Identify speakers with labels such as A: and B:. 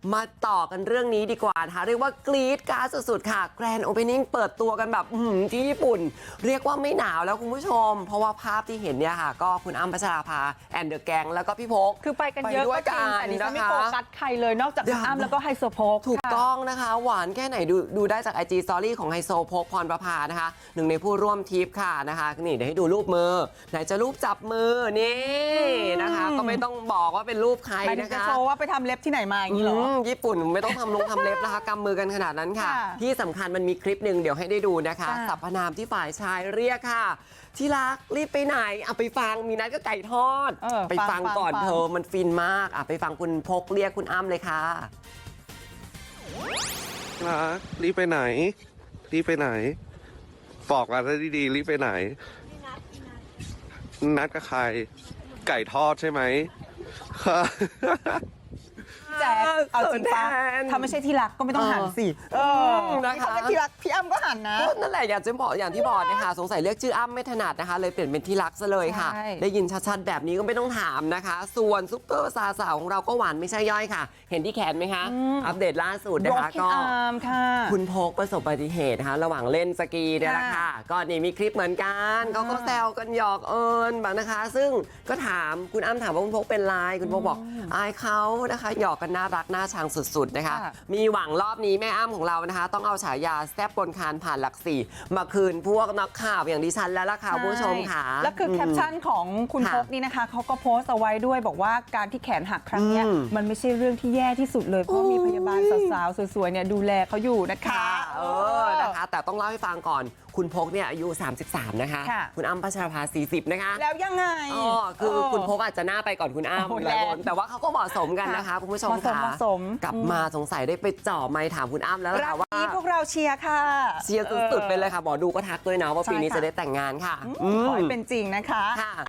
A: มาต่อกันเรื่องนี้ดีกว่านะคะเรียกว่ากรี๊ดกราดสุดๆค่ะแกรนด์โอเพนนิ่งเปิดตัวกันแบบที่ญี่ปุ่นเรียกว่าไม่หนาวแล้วคุณผู้ชมเพราะว่าภาพที่เห็นเนี่ยค่ะก็คุณอ้ำพัชราภาแอนเดอร์แกงแล้วก็พี่พก
B: คือไปกันเยอะก็จริงแต่ดิฉันไม่โฟกัสใครเลยนอกจากคุณอ้ำแล้วก็ไฮโซโพก
A: ถูกต้องนะคะหวานแค่ไหนดูได้จาก IG Story ของไฮโซโพกพรประภานะคะหนึ่งในผู้ร่วมทริปค่ะนะคะนี่เดี๋ยวให้ดูรูปมือไหนจะรูปจับมือนี่นะคะก็ไม่ต้องบอกว่าเป็นรูปใครนะคะ
B: จะโชว์ว่าไปทำเล็บที่ไหนมาอย่างนี้เหรอ
A: ญี่ปุ่นไม่ต้องทำเล็บนะคะกำมือกันขนาดนั้นค่ะที่สำคัญมันมีคลิปหนึ่งเดี๋ยวให้ได้ดูนะคะสรรพนามที่ฝ่ายชายเรียกค่ะที่รักรีบไปไหนเอาไปฟังมีนัดก็ไก่ทอดไปฟังก่อนเธอมันฟินมากไปฟังคุณพกเรียกคุณอ้ำเลยค่ะ
C: รักรีบไปไหนรีบไปไหนบอกกันได้ดีๆรีบไปไหนนัดกับใครไก่ทอดใช่ไหม
B: แจ๊คเอาจริงปะถ้าไม่ใช่ที่รักก็ไม่ต้องหันสิ
A: นะคะ
B: ถ้าเป็นที่รักพี่อ้ำก็หันนะ
A: นั่นแหละอยากจะบอกอย่างที่บอกนะคะสงสัยเรียกชื่ออ้ำไม่ถนัดนะคะเลยเปลี่ยนเป็นที่รักซะเลยค่ะได้ยินชัดๆแบบนี้ก็ไม่ต้องถามนะคะส่วนซุปเปอร์สาวของเราก็หวานไม่ใช่ย่อยค่ะเห็นที่แขนไหมคะอัปเดตล่าสุดนะคะก็คุณพกประสบอุบัติเหตุนะคะระหว่างเล่นสกีเนี่ยแหละค่ะก็นี่มีคลิปเหมือนกันเขาก็แซวกันหยอกเอิญแบบนะคะซึ่งก็ถามคุณอ้ำถามว่าคุณพกเป็นไรคุณพกบอกอายเขานะคะหยอกกันน่ารักน่าชังสุดๆนะคะมีหวังรอบนี้แม่อ้ำของเรานะคะต้องเอาฉายาแซ่บบนคานผ่านหลักสี่มาคืนพวกนักข่าวอย่างดิฉันแล้วล่ะค่ะผู้ชมค่ะ
B: แล้วคือแคปชั่นของคุณพกนี่นะคะเขาก็โพสต์เอาไว้ด้วยบอกว่าการที่แขนหักครั้งนี้มันไม่ใช่เรื่องที่แย่ที่สุดเลยเพราะมีพยาบาลสาวๆสวยๆเนี่ยดูแลเขาอยู่นะคะ
A: นะคะแต่ต้องเล่าให้ฟังก่อนคุณพกเนี่ยอายุ33นะคะคุณอ้ำพัชราภา40นะคะ
B: แล้วยังไง
A: คือคุณพกอาจจะหน้าไปก่อนคุณอ้ำหลายคนแต่ว่าเขาก็เหมาะสมกันนะคะคุณผู้ชมค่ะกลับมาสงสัยได้ไปจ่อไมค์ถามคุณอ้ำแล้วค่ะว่า
B: พวกเราเชียร์ค่ะ
A: เชียร์สุดๆไปเลยค่ะหมอดูก็ทักด้วยนะว่าปีนี้จะได้แต่งงานค่ะ
B: ขอให้เป็นจริงนะคะ